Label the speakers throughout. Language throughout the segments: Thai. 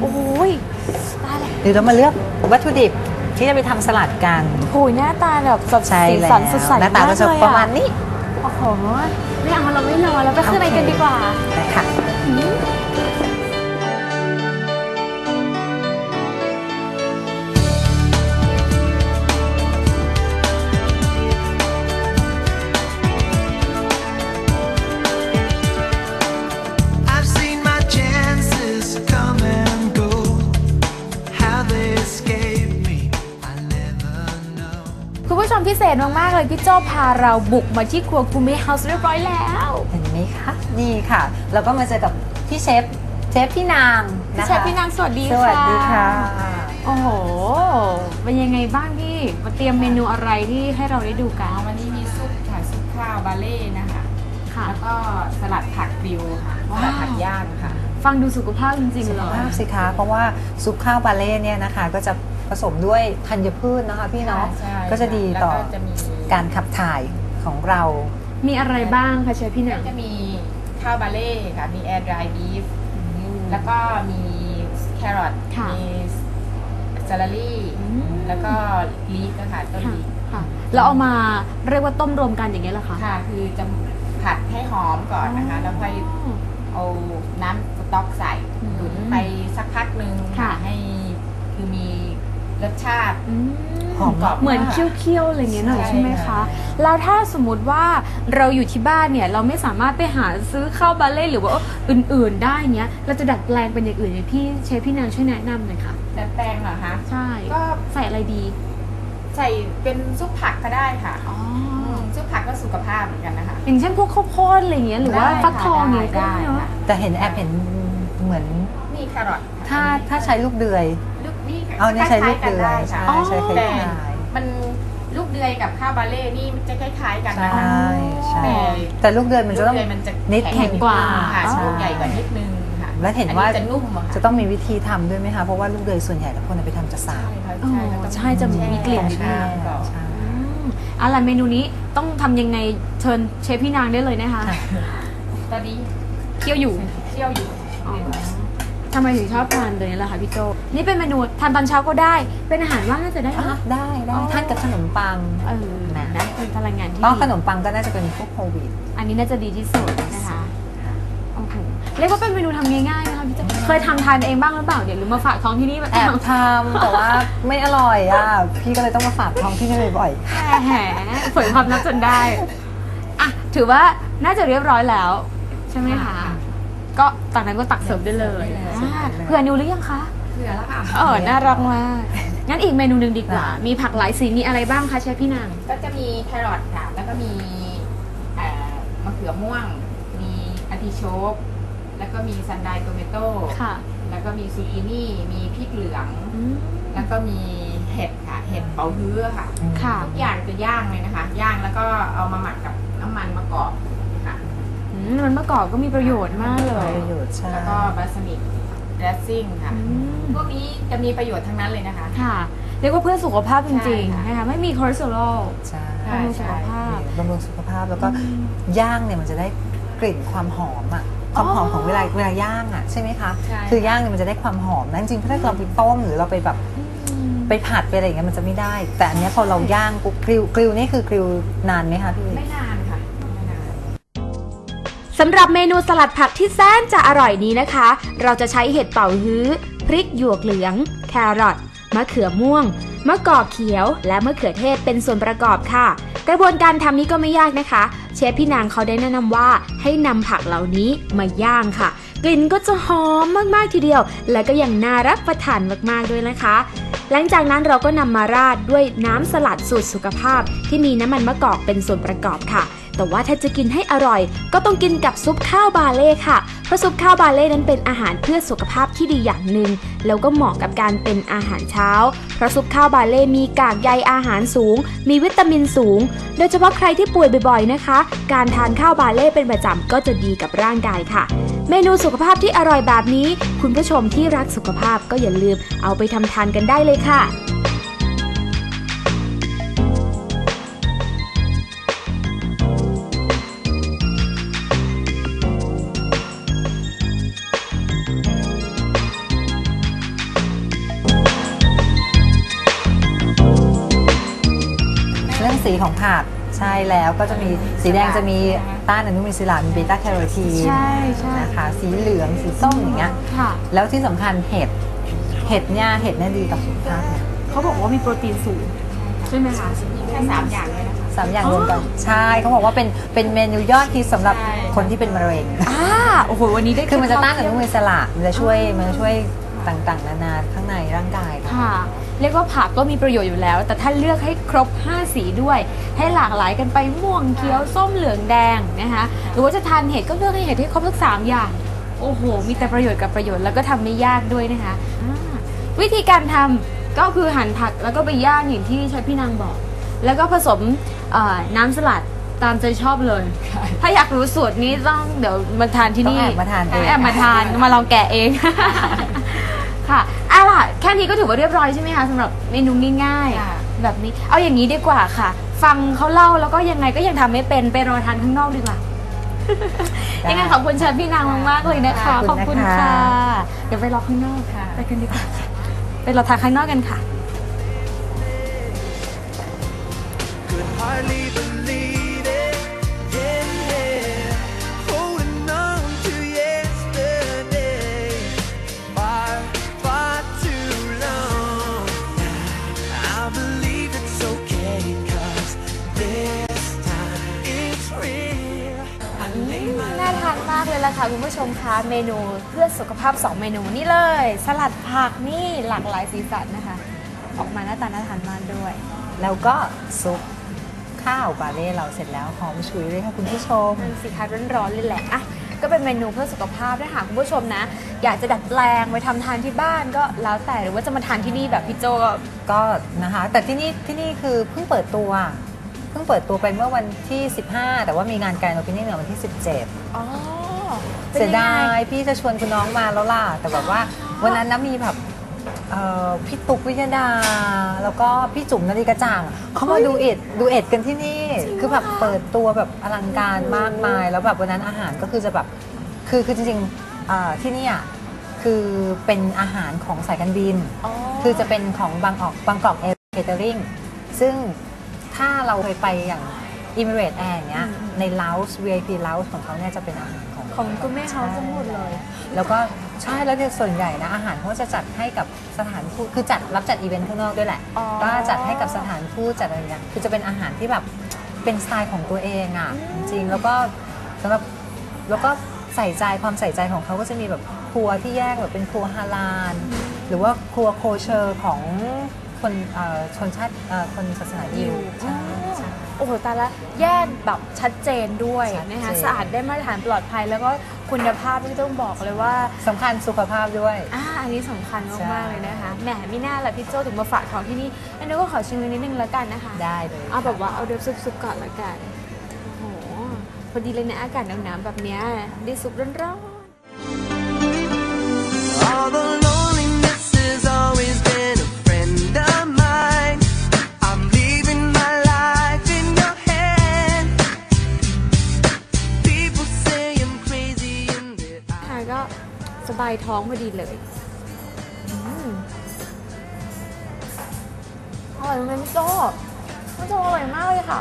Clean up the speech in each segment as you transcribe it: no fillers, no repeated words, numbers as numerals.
Speaker 1: โอ้ยตายเลย
Speaker 2: เดี๋ยวเรามาเลือกวัตถุดิบที่จะไปทำสลัดกัน
Speaker 1: โอ้ยหน้าตาแบบสดใสสันสดใส
Speaker 2: หน้าตาก็จะประมาณนี้
Speaker 1: โอ้โหไม่เอาเราไม่รอแล้วไปข้างในกันดีกว่า
Speaker 2: ได้ค่ะ
Speaker 1: คุณผู้ชมพิเศษมากๆเลยพี่โจ้พาเราบุกมาที่ครัวกูเม่เฮาส์เรียบร้อยแล้ว
Speaker 2: เห็นไหมคะนี่ค่ะแล้วก็มาเจอกับพี่เชฟพี่นางนะคะ
Speaker 1: เชฟพี่นางสวัสดีค่ะ
Speaker 2: สวัสดีค่ะ
Speaker 1: โอ้โหเป็นยังไงบ้างพี่มาเตรียมเมนูอะไรที่ให้เราได้ดูกัน
Speaker 3: วันนี้มีซุปค่ะซุปข้าวบาเล่นะคะแล้วก็สลัดผักกริวค่ะสลัดผักย่างค่ะ
Speaker 1: ฟังดูสุขภาพจริงๆเลย
Speaker 2: สุขภาพสิคะเพราะว่าซุปข้าวบาเล่เนี่ยนะคะก็จะผสมด้วยธัญพืชนะคะพี่เนาะก็จะดีต่อการขับถ่ายของเรา
Speaker 1: มีอะไรบ้างคะเชฟพี่หนัง
Speaker 3: จะมีข้าวบาเล่ค่ะมีแอร์ดรายบีฟแล้วก็มีแครอทมีซาลารี่แล้วก็ลีฟนะคะต้นลีฟ
Speaker 1: แล้วเอามาเรียกว่าต้มรวมกันอย่างเงี้ยเหรอคะ
Speaker 3: ค่ะคือจะผัดให้หอมก่อนนะคะแล้วค่อยเอาน้ำสต๊อกใส่ตุ๋นไปสักพักหนึ่งให้คือมีรสชาติ
Speaker 1: หอมกรอบเหมือนเคี่ยวๆอะไรเงี้ยหน่อยใช่ไหมคะแล้วถ้าสมมติว่าเราอยู่ที่บ้านเนี่ยเราไม่สามารถไปหาซื้อข้าวบาเล่หรือว่าอื่นๆได้เนี้ยเราจะดัดแปลงเป็นอย่างอื่นเนี่ยพี่เชฟพี่นางช่วยแนะนำหน่อยค่ะ
Speaker 3: ดัดแปลงเหรอคะ
Speaker 1: ใช่ก็ใส่อะไรดี
Speaker 3: ใส่เป็นซุปผักก็ได้ค่ะซุปผักก็สุขภาพเหมือนกันนะคะ
Speaker 1: อย่างเช่นพวกข้าวโพดอะไรเงี้ยหรือว่าฟักทองเงี้ยก็ได้เนาะ
Speaker 2: แต่เห็นแอบเห็นเหมือน
Speaker 3: มีแครอท
Speaker 2: ถ้าใช้ลูกเดือยเอาเนี่ยใช้ลูกเดือยใช่ใช้
Speaker 3: แต่มันลูกเดือยกับข้าวบาเล่นี่มันจะคล้ายๆกันนะคะ
Speaker 2: แต่ลูกเดือยมันจะต้องนิด
Speaker 1: แข็งกว่า
Speaker 3: ลูกใหญ่กว่านิดนึงค่ะ
Speaker 2: และเห็นว่า
Speaker 3: จะนุ่ม
Speaker 2: จะต้องมีวิธีทำด้วยไหมคะเพราะว่าลูกเดือยส่วนใหญ่แล้วคนไปทำจะสาบ
Speaker 1: ใช่จะมีกลิ่นนิดนึงอะไรเมนูนี้ต้องทำยังไงเชิญเชฟพี่นางได้เลยนะคะ
Speaker 3: ตอนนี้
Speaker 1: เคี่ยวอยู่ทำไมถึงชอบทานตัวนี้ล่ะคะพี่โจนี่เป็นเมนูทานตอนเช้าก็ได้เป็นอาหารว่างน่าจะได้
Speaker 2: ได้ทานกับขนมปัง
Speaker 1: นะเป็นพลังงานที่
Speaker 2: ขนมปังก็น่าจะเป็นพวกโควิด
Speaker 1: อันนี้น่าจะดีที่สุดนะคะโอ้โหเรียกว่าเป็นเมนูทำง่ายๆนะคะพี่โจเคยทำทานเองบ้างหรือเปล่าเดี๋ยวหรือมาฝากท้องที่นี่
Speaker 2: แอบทำแต่ว่าไม่อร่อยพี่ก็เลยต้องมาฝากท้องที่นี่บ่อย
Speaker 1: ๆแหมเผยความลับจนได้ถือว่าน่าจะเรียบร้อยแล้วใช่ไหมคะก็จากนั้นก็ตักเสิร์ฟได้เลยเผื่อนิวหรือยังคะ
Speaker 3: เผื่อแล้วค่ะ
Speaker 1: น่ารักมากงั้นอีกเมนูหนึ่งดีกว่ามีผักหลายสีมีอะไรบ้างคะเชฟพี่นาง
Speaker 3: ก็จะมีแครอทค่ะแล้วก็มีมะเขือม่วงมีอาร์ติโชกแล้วก็มีซันไดโตเมโต้แล้วก็มีซูกินี่มีพริกเหลืองแล้วก็มีเห็ดค่ะเห็ดเป๋าฮื้อค่ะทุกอย่างจะย่างเลยนะคะย่างแล้วก็เอามาหมักกับน้ำมันมะกอก
Speaker 1: มันมะกอกก็มีประโยชน์มากเลย
Speaker 3: แล้วก็บาสมิกเดรสซิ่งค่ะพวกนี้จะมีประโยชน์ทั้งนั้นเลยนะคะ
Speaker 1: ค่ะเรียกว่าเพื่อสุขภาพจริงๆนะคะไม่มีคอเลสเตอรอลบำรุงสุขภาพ
Speaker 2: แล้วก็ย่างเนี่ยมันจะได้กลิ่นความหอมความหอมของเวลาย่างใช่ไหมคะคือย่างเนี่ยมันจะได้ความหอมนะจริงๆถ้าเราไปต้มหรือเราไปแบบไปผัดไปอะไรอย่างเงี้ยมันจะไม่ได้แต่อันนี้พอเราย่างปุ๊บกริลนี่คือกริลนานไหมคะพี่
Speaker 3: ไม่นานค่ะ
Speaker 1: สำหรับเมนูสลัดผักที่แสนจะอร่อยนี้นะคะเราจะใช้เห็ดเป๋าฮื้อพริกหยวกเหลืองแครอทมะเขือม่วงมะกอกเขียวและมะเขือเทศเป็นส่วนประกอบค่ะกระบวนการทำนี้ก็ไม่ยากนะคะเชฟพี่นางเขาได้แนะนำว่าให้นำผักเหล่านี้มาย่างค่ะกลิ่นก็จะหอมมากๆทีเดียวและก็ยังน่ารับประทานมากๆด้วยนะคะหลังจากนั้นเราก็นำมาราดด้วยน้ำสลัดสูตรสุขภาพที่มีน้ำมันมะกอกเป็นส่วนประกอบค่ะแต่ว่าถ้าจะกินให้อร่อยก็ต้องกินกับซุปข้าวบาเล่ค่ะเพราะซุปข้าวบาเล่นั้นเป็นอาหารเพื่อสุขภาพที่ดีอย่างหนึ่งแล้วก็เหมาะกับการเป็นอาหารเช้าเพราะซุปข้าวบาเล่มีกากใยอาหารสูงมีวิตามินสูงโดยเฉพาะใครที่ป่วยบ่อยๆนะคะการทานข้าวบาเล่เป็นประจำก็จะดีกับร่างกายค่ะเมนูสุขภาพที่อร่อยแบบนี้คุณผู้ชมที่รักสุขภาพก็อย่าลืมเอาไปทำทานกันได้เลยค่ะ
Speaker 2: 5 สีของผักใช่แล้วก็จะมีสีแดงจะมีต้านอนุมูลอิสระมีเบต้าแคโรทีนนะคะสีเหลืองสีส้มอย่างเงี้ยแล้วที่สำคัญเห็ดเนี่ยดีต่อสุขภาพเนี่ย
Speaker 1: เขาบอกว่ามีโปรตีนสูงใช่ไหมคะ
Speaker 3: แค่3 อย่างเลยนะคะ
Speaker 2: 3 อย่างรวมกันใช่เขาบอกว่าเป็นเมนูยอดฮิตสำหรับคนที่เป็นมะเร็ง
Speaker 1: โอ้โหวันนี้ได้
Speaker 2: คือมันจะต้านอนุมูลอิสระมันจะช่วยต่างๆนานาข้างในร่างกาย
Speaker 1: ค่ะเรียกว่าผักก็มีประโยชน์อยู่แล้วแต่ถ้าเลือกให้ครบ5 สีด้วยให้หลากหลายกันไปม่วงเขียวส้มเหลืองแดงนะคะหรือว่าจะทานเห็ดก็เลือกให้เห็ดให้ครบทั้ง3 อย่างโอ้โหมีแต่ประโยชน์กับประโยชน์แล้วก็ทำไม่ยากด้วยนะคะวิธีการทำก็คือหั่นผักแล้วก็ไปย่างอย่างที่ชายพี่นางบอกแล้วก็ผสมน้ำสลัดตามใจชอบเลยถ้าอยากรู้สูตรนี้ต้องเดี๋ยวมาทานที่นี่
Speaker 2: มาทานเอง
Speaker 1: มาลองแกะเองค่ะล่ะแค่นี้ก็ถือว่าเรียบร้อยใช่ไหมคะสำหรับเมนูง่ายๆแบบนี้เอาอย่างนี้ดีกว่าค่ะฟังเขาเล่าแล้วก็ยังไงก็ยังทำไม่เป็นไปรอทานข้างนอกดีกว่ายังไงขอบคุณเชฟพี่นางมากๆเลยนะคะขอบคุณค่ะเดี๋ยวไปรอข้างนอกไปกันดีกว่าไปรอทานข้างนอกกันค่ะน่าทานมากเลยล่ะค่ะคุณผู้ชมคะเมนูเพื่อสุขภาพ2 เมนูนี่เลยสลัดผักนี่หลากหลายสีสันนะคะออกมาหน้าตาน่าทานมากด้วย
Speaker 2: แล้วก็ซุปข้าวบาเล่เราเสร็จแล้วหอมฉุยเลยค่ะคุณผู้ชม
Speaker 1: สีคะร้อนๆเลยแหละอ่ะก็เป็นเมนูเพื่อสุขภาพถ้าหากคุณผู้ชมนะอยากจะดัดแปลงไปทำทานที่บ้านก็แล้วแต่หรือว่าจะมาทานที่นี่แบบพี่โจ
Speaker 2: ก็นะคะแต่ที่นี่คือเพิ่งเปิดตัวไปเมื่อวันที่15แต่ว่ามีงานการโอเพนนิ่งในวันที่17เสียดายพี่จะชวนคุณน้องมาแล้วล่ะแต่แบบว่าวันนั้นนะมีแบบพี่ตุ๊กวิยดาแล้วก็พี่จุ๋มนาฬิกาจ่างเขามาดูเอ็ดกันที่นี่คือแบบเปิดตัวแบบอลังการมากมายแล้วแบบวันนั้นอาหารก็คือจะแบบคือจริงๆที่นี่คือเป็นอาหารของสายการบินคือจะเป็นของบางกอกแอร์เคเตอริงซึ่งถ้าเราเคยไปอย่าง Emirates Air เนี้ยใน Lounge VIP Lounge ของเขาเนี่ยจะเป็นอาหาร
Speaker 1: ของคุณแม่เขาทั้งหมดเลย
Speaker 2: แล้วก็ใช่แล้วในส่วนใหญ่นะอาหารเขาจะจัดให้กับสถานทูตคือรับจัดอีเวนต์ข้างนอกด้วยแหละก็จัดให้กับสถานทูตจัดอะไรอย่างเงี้ยคือจะเป็นอาหารที่แบบเป็นสไตล์ของตัวเองอ่ะจริงๆแล้วก็สำหรับแล้วก็ความใส่ใจของเขาก็จะมีแบบครัวที่แยกแบบเป็นครัวฮาลาลหรือว่าครัวโคเชอร์ของคนชนชาติคนศาสนายิว
Speaker 1: โอ้โหตายละแยกแบบชัดเจนด้วยนะคะสะอาดได้มาตรฐานปลอดภัยแล้วก็คุณภาพที่ต้องบอกเลยว่า
Speaker 2: สำคัญสุขภาพด้วย
Speaker 1: อันนี้สำคัญมากๆเลยนะคะแหมไม่น่าละพี่โจถึงมาฝากของที่นี่อันนี้ก็ขอชิมนิดนึงแล้วกันนะคะ
Speaker 2: ได้เลย
Speaker 1: เอาแบบว่าเอาเดือดซุปก่อนละกันโอ้โหพอดีเลยนะอากาศหนาวๆแบบนี้ได้ซุปร้อนสบายท้องพอดีเลยอร่อยไหมพี่โจ้อร่อยมากเลยค่ะ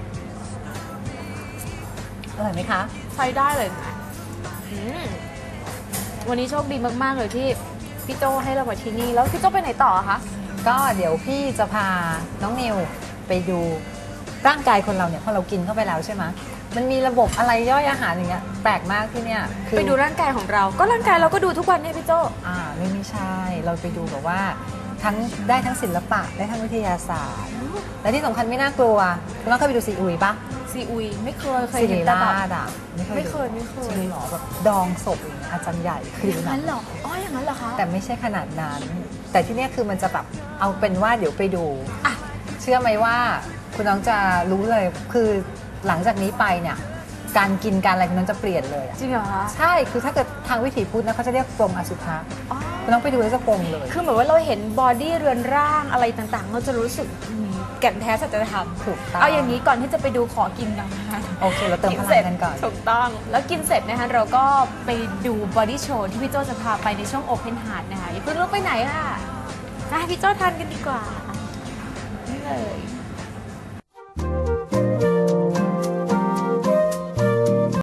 Speaker 2: อร่อยไหมคะ
Speaker 1: ใช้ได้เลยนะวันนี้โชคดีมากๆเลยที่พี่โจ้ให้เรามาที่นี่แล้วพี่โจ้ไปไหนต่อคะ
Speaker 2: ก็เดี๋ยวพี่จะพาน้องนิวไปดูร่างกายคนเราเนี่ยพอเรากินเข้าไปแล้วใช่ไหมมันมีระบบอะไรย่อยอาหารอย่างเงี้ยแปลกมากที่เนี่ย
Speaker 1: ไปดูร่างกายของเราก็ร่างกายเราก็ดูทุกวันเนี่ยพี่โจ้
Speaker 2: ไม่ใช่เราไปดูแบบว่าได้ทั้งศิลปะได้ทั้งวิทยาศาสตร์และที่สำคัญไม่น่ากลัวคุณน้องเคยไปดูซีอุยปะ
Speaker 1: ซีอุยไม่เคย
Speaker 2: เห็นแต่แบบ
Speaker 1: ไม่เคย
Speaker 2: จริงหรอแบบดองศพอย่างเงี้ยอาจารย์ใหญ่คือ
Speaker 1: อย่างนั้นหรออย่างนั้นเหรอคะ
Speaker 2: แต่ไม่ใช่ขนาดนั้นแต่ที่นี่คือมันจะแบบเอาเป็นว่าเดี๋ยวไปดูเชื่อไหมว่าคุณน้องจะรู้เลยคือหลังจากนี้ไปเนี่ยการกินการอะไรคุณน้องจะเปลี่ยนเลย
Speaker 1: จริงเหรอคะ
Speaker 2: ใช่คือถ้าเกิดทางวิถีพุทธนะเขาจะเรียกปรงอสุภะคุณน้องไปดูแล้วจะปรงเลย
Speaker 1: คือเหมือนว่าเราเห็นบอดี้เรือนร่างอะไรต่างๆเราจะรู้สึกแก่นแท้สัจธรรม
Speaker 2: ถูกต้อง
Speaker 1: เอาอย่างนี้ก่อนที่จะไปดูขอกินกันนะคะ
Speaker 2: โอเคเราเติมพลังกันก่อน
Speaker 1: ถูกต้องแล้วกินเสร็จนะคะเราก็ไปดูบอดี้โชว์ที่พี่โจจะพาไปในช่วงโอเพนฮาร์ทนะคะอย่าเพิ่งลุกไปไหนค่ะพี่โจทานกันดีกว่านี่เลย